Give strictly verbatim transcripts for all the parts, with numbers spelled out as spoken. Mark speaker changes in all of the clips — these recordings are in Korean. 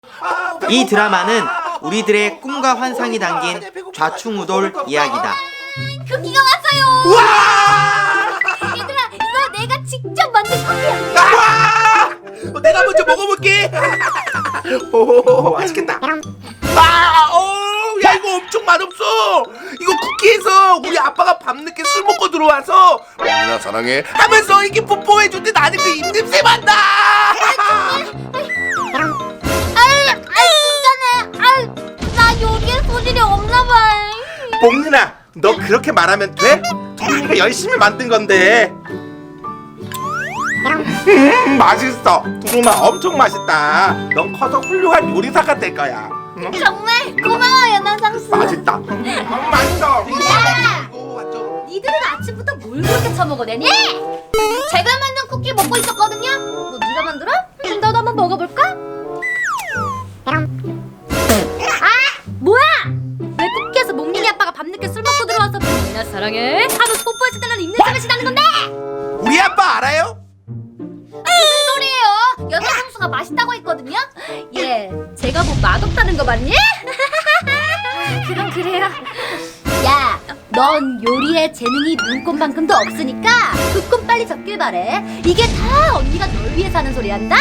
Speaker 1: 이 드라마는 우리들의 꿈과 환상이 담긴 좌충우돌 이야기다.
Speaker 2: 쿠키가 왔어요.
Speaker 3: 와!
Speaker 2: 얘들아, 이거 내가 직접 만든 쿠키야.
Speaker 3: 아! 내가 먼저 먹어볼게. 오, 맛있겠다. 아, 오, 야 이거 엄청 맛없어. 이거 쿠키에서 우리 아빠가 밤늦게 술 먹고 들어와서 누나 사랑해 하면서 이렇게 뽀뽀해줄 때 나는 그 입냄새 맡나.
Speaker 2: 아유, 아유, 진짜네. 아유, 나 요리에 소질이 없나봐.
Speaker 3: 뽕누나, 너 그렇게 말하면 돼? 도리가 열심히 만든 건데. 음, 맛있어. 두루마 엄청 맛있다. 넌 커서 훌륭한 요리사가 될 거야. 응?
Speaker 2: 정말 고마워요, 나상수.
Speaker 3: 맛있다. 음, 맛있어.
Speaker 2: 야!
Speaker 3: 이거 완전.
Speaker 2: 니들은 아침부터 뭘 그렇게 처먹어대니? 제가 만든 쿠키 먹고 있었거든요. 뭐 네가 만들어? 그럼 나도 한번 먹어볼까? 아! 뭐야! 왜 쿠키에서 몽린이 아빠가 밤늦게 술 먹고 들어와서 몽린아 사랑해 하루 뽀뽀했을 때는 입냄새 맛이 나는 건데!
Speaker 3: 우리 아빠 알아요?
Speaker 2: 무슨 소리예요? 여자 상수가 맛있다고 했거든요? 예, 제가 뭐 맛없다는 거 맞니? 그럼 그래요. 야, 넌 요리에 재능이 눈꽃만큼도 없으니까 그 꿈 빨리 접길 바래. 이게 다 언니가 널 위해 사는 소리란다.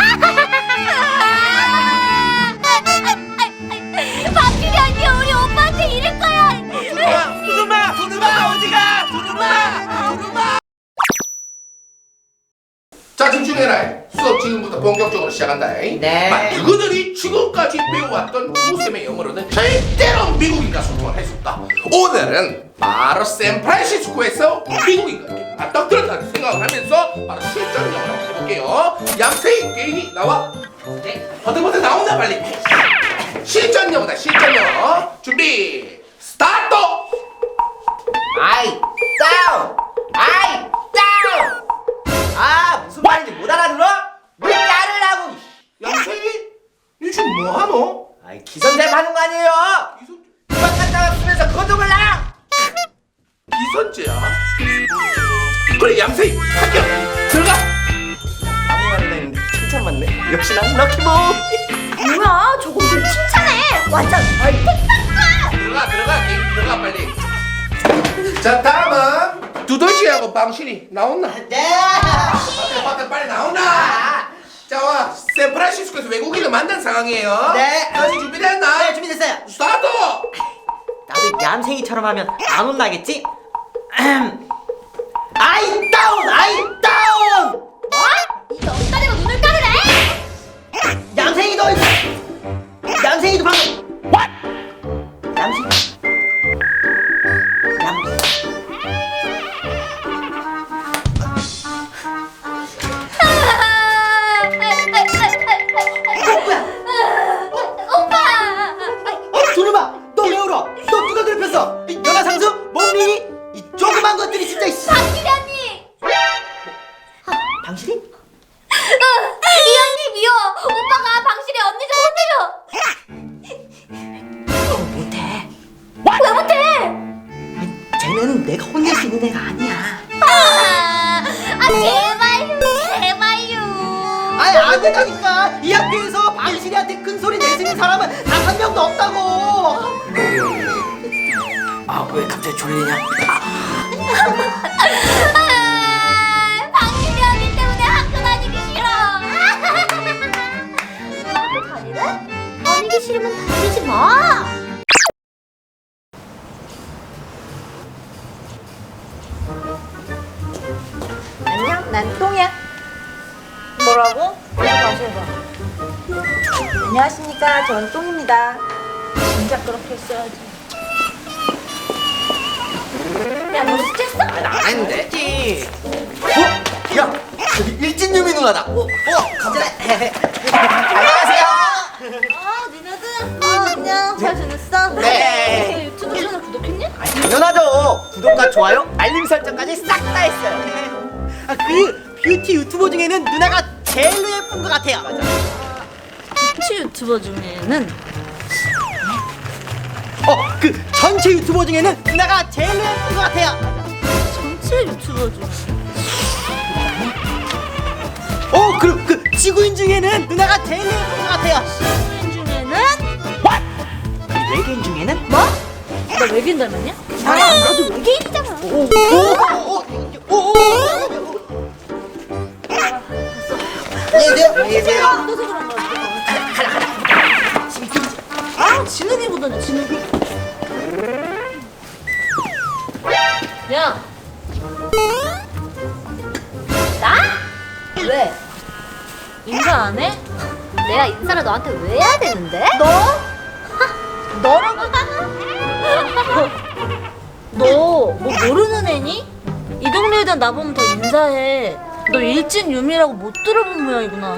Speaker 2: 박규리 언니 우리 오빠한테 이럴 거야.
Speaker 3: 두루마, 두루마 어디가? 두루마, 두루마. 자, 집중해라. 수업 지금부터 본격적으로 시작한다.
Speaker 1: 네.
Speaker 3: 너희들이 지금까지 배워왔던 구쌤의 영어로는 절대로 미국인과 소통을 할 수 없다. 오늘은 바로 샌프란시스코에서 미국인과 이렇게 맞닥뜨렸다는 생각을 하면서 바로 실전 영어를 한번 해볼게요. 양세희 개인이 나와.
Speaker 1: 네.
Speaker 3: 버텨버텨 나온다 빨리. 실전 영어다. 실전 영어. 준비 스타트.
Speaker 1: 아이 다운! 아이 다운! 아 무슨 말인지 못 알아들어? 왜 자르라고!
Speaker 3: 양세희, 니 지금 뭐 하노?
Speaker 1: 아이 기선제압 하는 거 아니에요? 이만 갔다가 쓰면서 거동을 나!
Speaker 3: 기선제야? 그래 양세희 합격. 들어가.
Speaker 1: 아무 말이나 했는데 칭찬 맞네. 역시 난 럭키보.
Speaker 2: 뭐야, 저거 좀 칭찬해. 완전 얼핏
Speaker 3: 들어가 들어가 게임 들어가 빨리. 자 다음은 두더지하고 방실이 나온나?
Speaker 1: 네.
Speaker 3: 밖에 밖에 빨리 나온나? 자와 샌프란시스코에서 외국인을 만난 상황이에요.
Speaker 1: 네.
Speaker 3: 다시 준비됐나?
Speaker 1: 네 준비됐어요.
Speaker 3: 스타트.
Speaker 1: 나도 얌생이처럼 하면 안 혼나겠지? 아이 다운! 아이 다운!
Speaker 2: 뭐? 이 넉다리가 눈을 까르래?
Speaker 1: 얌생이도 얌생이도 방금 What? 얌생 얌
Speaker 2: 오빠!
Speaker 1: 어? 두루마! 너 왜 울어? 너 누가 괴롭혔어? 이 연하상수? 몽린이? 이 조그만 것들이 진짜 이씨.
Speaker 2: 박규리 언니!
Speaker 1: 당신이?
Speaker 2: 이 언니 미워! 오빠가 방실이 언니 좀 혼내줘!
Speaker 1: 어, 못해.
Speaker 2: 왜 못해?
Speaker 1: 쟤네는 내가 혼낼 수 있는 애가 아니야.
Speaker 2: 아, 아 제발요 제발요.
Speaker 1: 아니 안 된다니까. 이 학교에서 방실이한테 큰 소리 낼 수 있는 사람은 단 한 명도 없다고. 아 왜 갑자기 졸리냐?
Speaker 2: 아, 박규리 언니 때문에 학교 다니기 싫어. 학교 다니래? 다니기 싫으면 다니지 마.
Speaker 4: 안녕, 난 똥이야. 뭐라고? 다시 해봐. 안녕하십니까, 전 똥입니다. 진짜 그렇게 써야지.
Speaker 2: 야, 너 숙제했어?
Speaker 1: 안 했는데. 어? 야 저기 일진유미 누나다. 어? 어? 감사해. 안녕하세요.
Speaker 4: 아, 니네들. 아, 안녕. 잘 지냈어?
Speaker 1: 네.
Speaker 4: 유튜브 채널 구독했니?
Speaker 1: 아니, 당연하죠. 구독과 좋아요, 알림 설정까지 싹 다 했어요. 아, 그 뷰티 유튜버 중에는 누나가 제일로 예쁜 것 같아요. 맞아.
Speaker 4: 뷰티 유튜버 중에는
Speaker 1: 어, 그 전체 유튜버 중에는 누나가 제일로 예쁜 것 같아요.
Speaker 4: 전체 유튜버 중에
Speaker 1: 어, 그리고 그 지구인 중에는 누나가 제일로 예쁜 것 같아요.
Speaker 4: 지구인 중에 나 외계인 닮았냐?
Speaker 2: 아, 나도 외계인이잖아.
Speaker 1: 안녕히 계세요.
Speaker 4: 어떠서 그런 거야? 아, 진욱이 보더니 진욱이. 야,
Speaker 2: 나? 왜?
Speaker 4: 인사 안 해?
Speaker 2: 내가 인사를 너한테 왜 해야 되는데?
Speaker 4: 너? 너라고? 너 뭐 모르는 애니? 이 동네 애들 나보면 더 인사해. 너 일진 유미라고 못 들어본 모양이구나.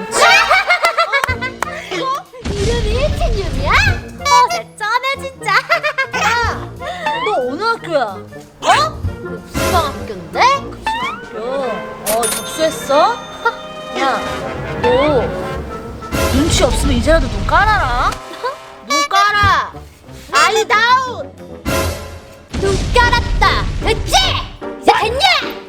Speaker 2: 이름이 일진유미야? 어제 쩌네 진짜.
Speaker 4: 야, 너 어느 학교야? 어?
Speaker 2: 수방학교인데?
Speaker 4: 야, 어 접수했어? 야, 너 눈치 없으면 이제라도 눈 깔아라. 눈 깔아. 아이 다운.
Speaker 2: 눈 깔았다. 됐지? 이제 됐냐?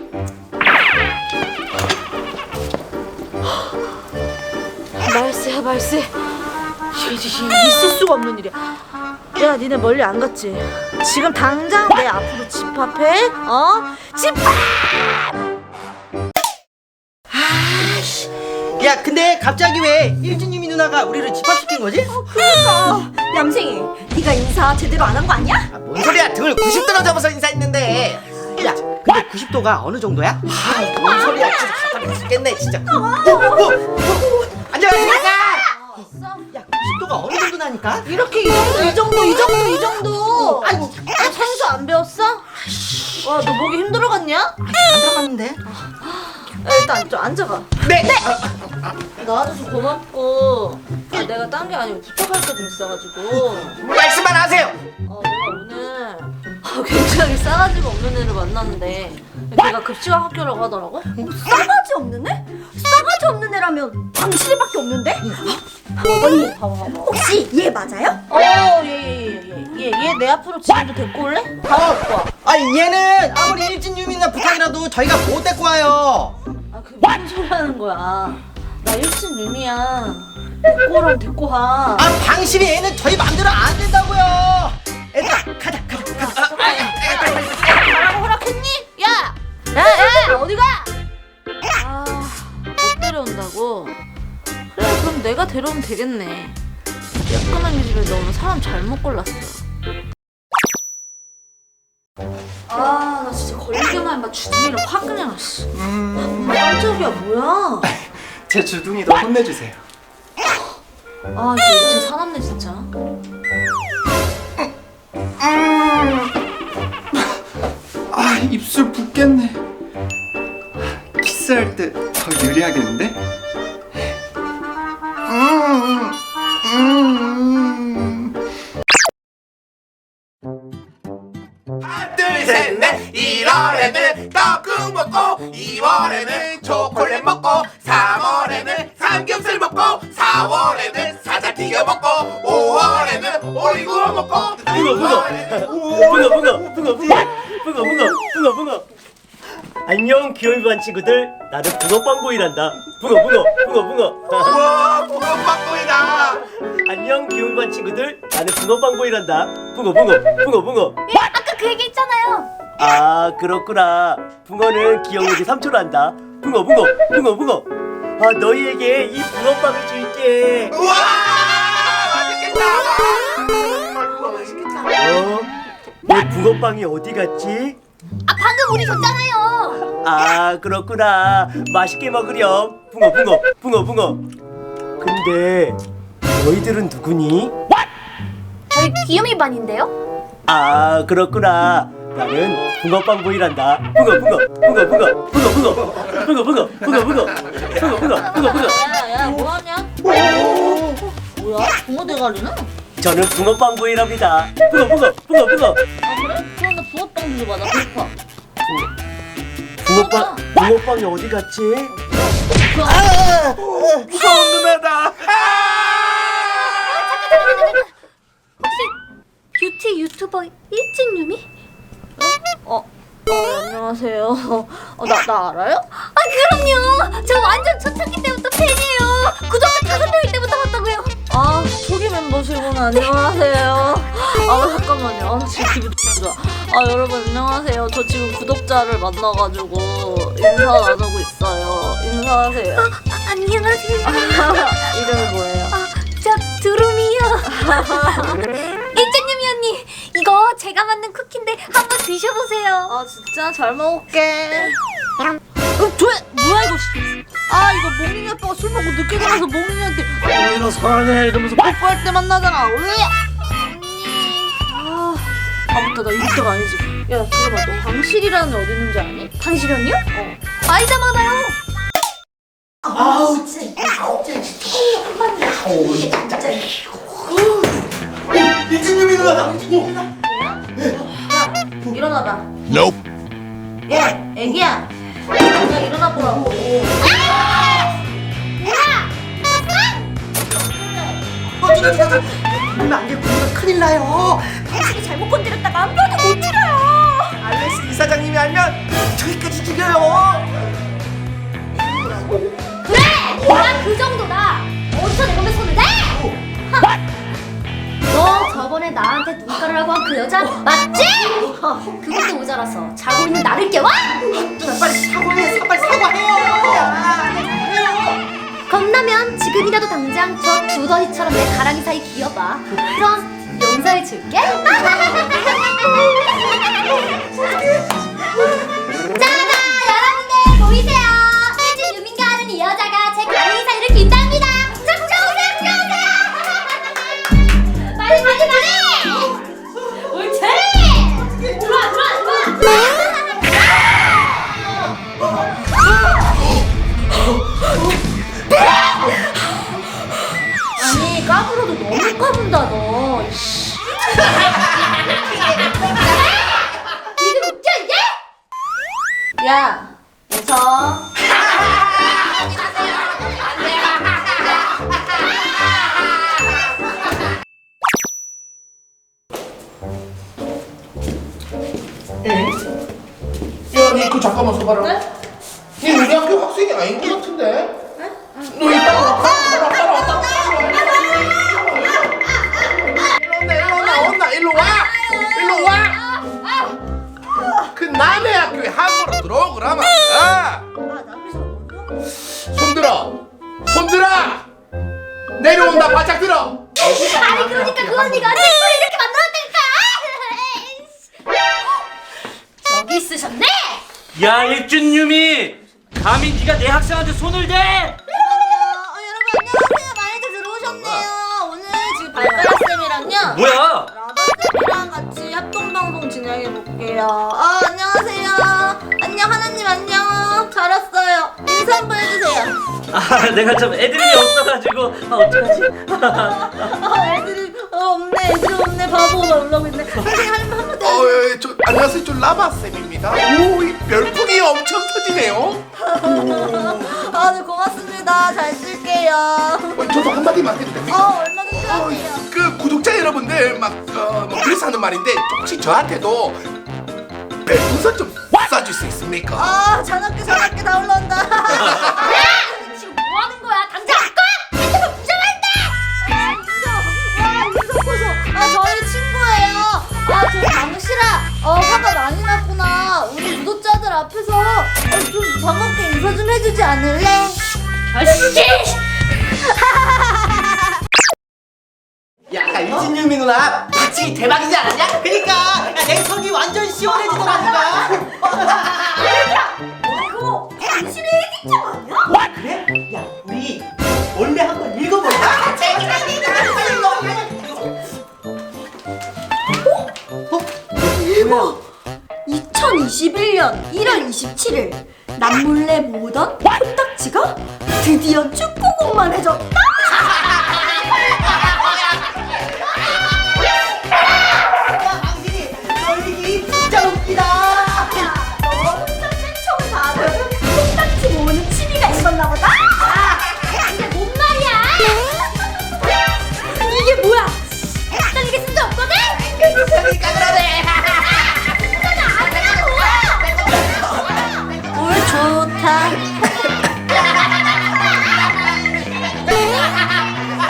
Speaker 4: 말세야 말세. 이게 있을 수가 없는 일이야. 야, 니네 멀리 안 갔지? 지금 당장 내 앞으로 집합해. 어? 집합!
Speaker 1: 야, 근데 갑자기 왜 일진유미 누나가 우리를 집합시킨 거지?
Speaker 5: 그러니까 얌생이 네가 인사 제대로 안 한 거 아니야?
Speaker 1: 아, 뭔 소리야? 등을 구십 도로 접어서 인사했는데. 야, 근데 구십 도가 어느 정도야? 아, 뭔 소리야? 진짜 답답해 죽겠네, 진짜. 어, 어, 어, 안녕하십니까? 야, 구십 도가 어느 정도나니까?
Speaker 4: 이렇게 이 정도 이 정도 이 정도 이 정도. 아이고, 너 산수 안 배웠어? 와, 너 목이 힘들어갔냐? 야,
Speaker 1: 안 들어갔는데?
Speaker 4: 일단 좀 앉아봐.
Speaker 1: 네. 네.
Speaker 4: 나와줘서 고맙고. 아, 내가 딴 게 아니고 부탁할 게 좀 있어가지고.
Speaker 1: 말씀만 하세요.
Speaker 4: 어, 내가 오늘 아, 굉장히 싸가지가 없는 애를 만났는데 걔가 급식왕 학교라고 하더라고.
Speaker 5: 싸가지 없는 애? 싸가지 없는 애라면 당신이밖에 없는데? 언니
Speaker 4: 봐봐 봐봐.
Speaker 5: 혹시 얘 맞아요?
Speaker 4: 어, 어얘얘얘얘얘 내 앞으로 지금도 데리고 올래? 바로 갖고 와.
Speaker 1: 아니, 얘는 아무리 일진유미 누나 부탁이라도 저희가 못 데리고 와요.
Speaker 4: 아, 그 무슨 소리 하는 거야? 나 일진 유미야. 데리고 오라면 데리고 와.
Speaker 1: 아, 당신이 애는 저희 맘대로 안 된다고요. 얘들아, 가자, 가자, 가자.
Speaker 4: 가라고 허락했니? 야! 야, 야, 어디 가? 아, 못 데려온다고? 그래, 그럼 내가 데려오면 되겠네. 깨끗한 이 집에 너무 사람 잘못 골랐어. 아, 나 진짜 걸리기만 해봐. 주둥이를 확 그냥, 씨. 음... 깜짝이야, 뭐야?
Speaker 3: 제 주둥이도 혼내주세요.
Speaker 4: 아, 이거 진짜 사납네, 진짜.
Speaker 3: 아, 입술 붓겠네. 키스할 때 더 유리하겠는데? 음, 음. 하나, 둘, 셋, 넷. 일월에는 떡국 먹고, 이월에는 초콜릿 먹고, 삼월에는 삼겹살 먹고, 사월에는 사자 튀겨 먹고, 오월에는 오리구워 먹고,
Speaker 6: 붕어 붕어 붕어 붕어 붕어 붕어 붕어 붕어 붕어. 안녕 귀요미 반 친구들, 나는 붕어빵보이란다. 붕어 붕어 붕어 붕어.
Speaker 3: 우와, 붕어빵보이다.
Speaker 6: 안녕 귀요미 반 친구들, 나는 붕어빵보이란다. 붕어 붕어 붕어 붕어.
Speaker 2: 예, 아까 그 얘기 했잖아요.
Speaker 6: 아 그렇구나. 붕어는 기억력이 삼 초란다. 붕어 붕어 붕어 붕어. 아 너희에게 이 붕어빵을 줄게.
Speaker 3: 우와, 맛있겠다.
Speaker 6: 어? 내 붕어빵이 어디 갔지?
Speaker 2: 아 방금 우리 줬잖아요.
Speaker 6: 아 그렇구나. 맛있게 먹으렴. 붕어 붕어 붕어 붕어. 근데 너희들은 누구니?
Speaker 2: 저희 귀요미 반인데요.
Speaker 6: 아 그렇구나. 나는 붕어빵보이란다. 붕어 붕어 붕어 붕어 붕어 붕어 붕어 붕어 붕어 붕어 붕어 붕어 붕어 붕어.
Speaker 4: 야, 야, 뭐하냐? 뭐야? 붕어 대가리는?
Speaker 6: 저는 붕어빵보이랍니다. 붕어 붕어 붕어 붕어.
Speaker 4: 아, 그래? 그럼 나 붕어빵 좀 줘봐. 나 배고파.
Speaker 6: 붕어빵 붕어빵이 어디 갔지?
Speaker 3: 무서운 누나다.
Speaker 2: 혹시 뷰티 유튜버 일진유미?
Speaker 4: 어, 어, 안녕하세요. 어, 나, 나 알아요?
Speaker 2: 아 그럼요. 저 완전 초창기 때부터 팬이에요. 구독자 다섯 명일 때부터 봤다고요.
Speaker 4: 아, 초기 멤버시구나. 안녕하세요. 아 잠깐만요. 아, 지금 기분 좋아. 아 여러분 안녕하세요. 저 지금 구독자를 만나가지고 인사 나누고 있어요. 인사하세요.
Speaker 2: 아, 안녕하세요.
Speaker 4: 이름이 뭐예요?
Speaker 2: 아, 저 두루미요. 일진유미 언니, 이거 제가 만든 쿠키인데 한번 드셔보세요.
Speaker 4: 아 진짜 잘 먹을게. 어, 저 뭐야 이거? 씨. 아 이거 몽lin이 아빠가 술 먹고 늦게 가서 몽lin이한테 어 이거 사랑해 이러면서 뽀뽀할 때 만나잖아. 왜? 아 아무튼 나 이럴 때가 아니지. 야 들어봐, 너 방실이라는 애 어디 있는지 아니?
Speaker 2: 당신은요?
Speaker 4: 어.
Speaker 2: 아이자 많아요.
Speaker 1: 아우 진짜. 아우 진짜. 이진유미 누나다.
Speaker 4: 일어나봐. Nope. 야 애기야. 너가 일어나 보라고.
Speaker 1: 어 누나 누나 누나 안돼 누나 큰일 나요.
Speaker 2: 당신이 잘못 건드렸다가 한 번도 못 들어요.
Speaker 1: 알렉스 이사장님이 알면 저기까지 죽여요.
Speaker 2: 그래! 난 그 정도다. 어디서 내 몸에 손을 대? 너 저번에 나한테 눈가루라고 한 그 여자 맞지? 그것도 모자라서 자고 있는 나를 깨워?
Speaker 1: 누나 빨리 사과해. 빨리 사과해요.
Speaker 2: 겁나면 지금이라도 당장 저 두더지처럼 내 가랑이 사이 기어봐. 그럼 용서해 줄게. 짜잔! 여러분들 보이세요? 일진 유민가 하는 이 여자가 제 가랑이 사이를 긴답니다. 자, 구경오세요, 구경오세요. 빨리, 빨리, 빨리. 옳지. 들어와, 들어와, 들어와.
Speaker 4: 아니 까불어도 너무 까분다 너. 이씨.
Speaker 2: 이게 웃겨 이게?
Speaker 4: 야 웃어.
Speaker 3: 야, 니 그 잠깐만 서봐라. 니 우리 학교 학생이 아닌 것 같은데? 너 이따가 와. 따라 따라 따라 일로 온나 일로 온나 일로 와. 일로 와. 그 남의 학교에 함부로 들어오 그러면. 아. 손 들어. 손 들어. 내려온다 바짝 들어.
Speaker 2: 아니 그러니까 그 언니가 내 꼴을 이렇게 만들었다니까. 저기 있으셨네.
Speaker 6: 야 일준유미, 감히 네가 내 학생한테 손을 대?
Speaker 4: 어, 여러분 안녕하세요. 많이들 들어오셨네요. 오늘 지금 발가락 쌤이랑요.
Speaker 6: 뭐야?
Speaker 4: 라바쌤이랑 같이 합동방송 진행해 볼게요. 아 안녕하세요. 안녕 하나님 안녕. 잘 왔어요. 인사 한번 해주세요.
Speaker 6: 아 내가 좀 애드립이 없어가지고 아 어떡하지?
Speaker 4: 아 애들이 어, 없네. 애들이 없네. 바보가 올라오고 있네. 선생님 한번 한번 더.
Speaker 3: 어, 예, 저 안녕하세요. 저 라바 쌤입니다. 오, 이 별풍이 엄청 터지네요.
Speaker 4: 아, 네 고맙습니다. 잘 쓸게요.
Speaker 3: 어, 저도 한마디만 해도 됩니까?
Speaker 4: 어 얼마든지
Speaker 3: 어,
Speaker 4: 하세요.
Speaker 3: 그 구독자 여러분들 막 어, 뭐 그래서 하는 말인데 혹시 저한테도 별풍선 좀 쏴줄 수 있습니까?
Speaker 4: 아 잔악기 잔악기 다 올라온다.
Speaker 2: 지금 뭐 하는 거야? 당장 꺼! 핸드폰 부정한다.
Speaker 4: 아 인성, 와 인성 보소. 아 저희 친구예요. 아 저 강실아, 어 화가 많이 났구나. 우리 구독자들 앞에서 어, 좀 반갑게 인사 좀 해주지 않을래?
Speaker 2: 아씨!
Speaker 1: 야 이진유미 누나 같이 대박이지 않았냐? 그니까 야, 내 속이 완전 시원해지더라니까.
Speaker 5: 이거 당신의 애기짱 아니야?
Speaker 1: 와 그래? 야 우리 원래 한번 읽어볼까? 빨리 읽어.
Speaker 5: 대박! 이천이십일 년 일월 이십칠일 남몰래 모던 코딱지가 드디어 축구공만해졌다.
Speaker 1: 야 당신이 널리기 진짜 웃기다.
Speaker 5: 야, 너 혼자 팬청 다들 코딱지 모으는 취미가 있었나 보다.
Speaker 2: 근데 뭔 말이야?
Speaker 5: 이게 뭐야?
Speaker 2: 난 이게 진짜 없거든?
Speaker 1: 그러니까 그러네.
Speaker 4: 물 좋다.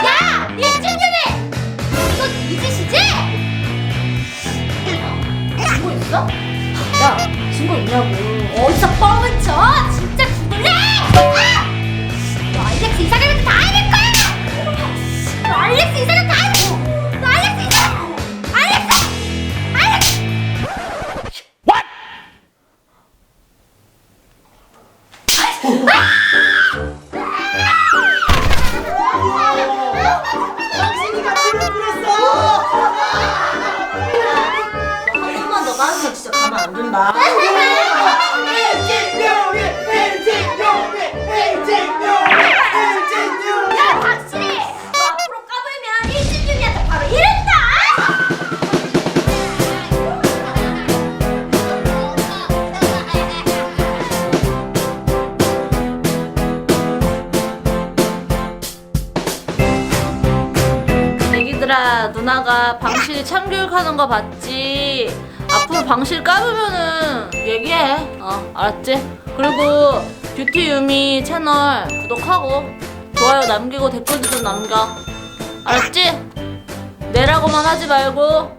Speaker 2: 야, 증거 있냐고. 어디서 뻥을 쳐? 진짜 죽을래? 아! 너 알렉스 이사람한테 다 알릴 거야! 너 알렉스 이사람 다 알릴 너 알렉스 이사람! 알렉스! 알렉스!
Speaker 1: 당신이가 불을 뿌렸어.
Speaker 5: 한 번만 더 맞으면 진짜 가만 안 둔다.
Speaker 2: 야, 확실히! 너 앞으로 까불면 일진윤이한테 바로 이른다!
Speaker 4: 애기들아, 누나가 방실 참교육하는 거 봤지? 앞으로 방실 까불면은 얘기해. 어, 알았지? 그리고 뷰티 유미 채널 구독하고 좋아요 남기고 댓글도 좀 남겨. 알았지? 내라고만 하지 말고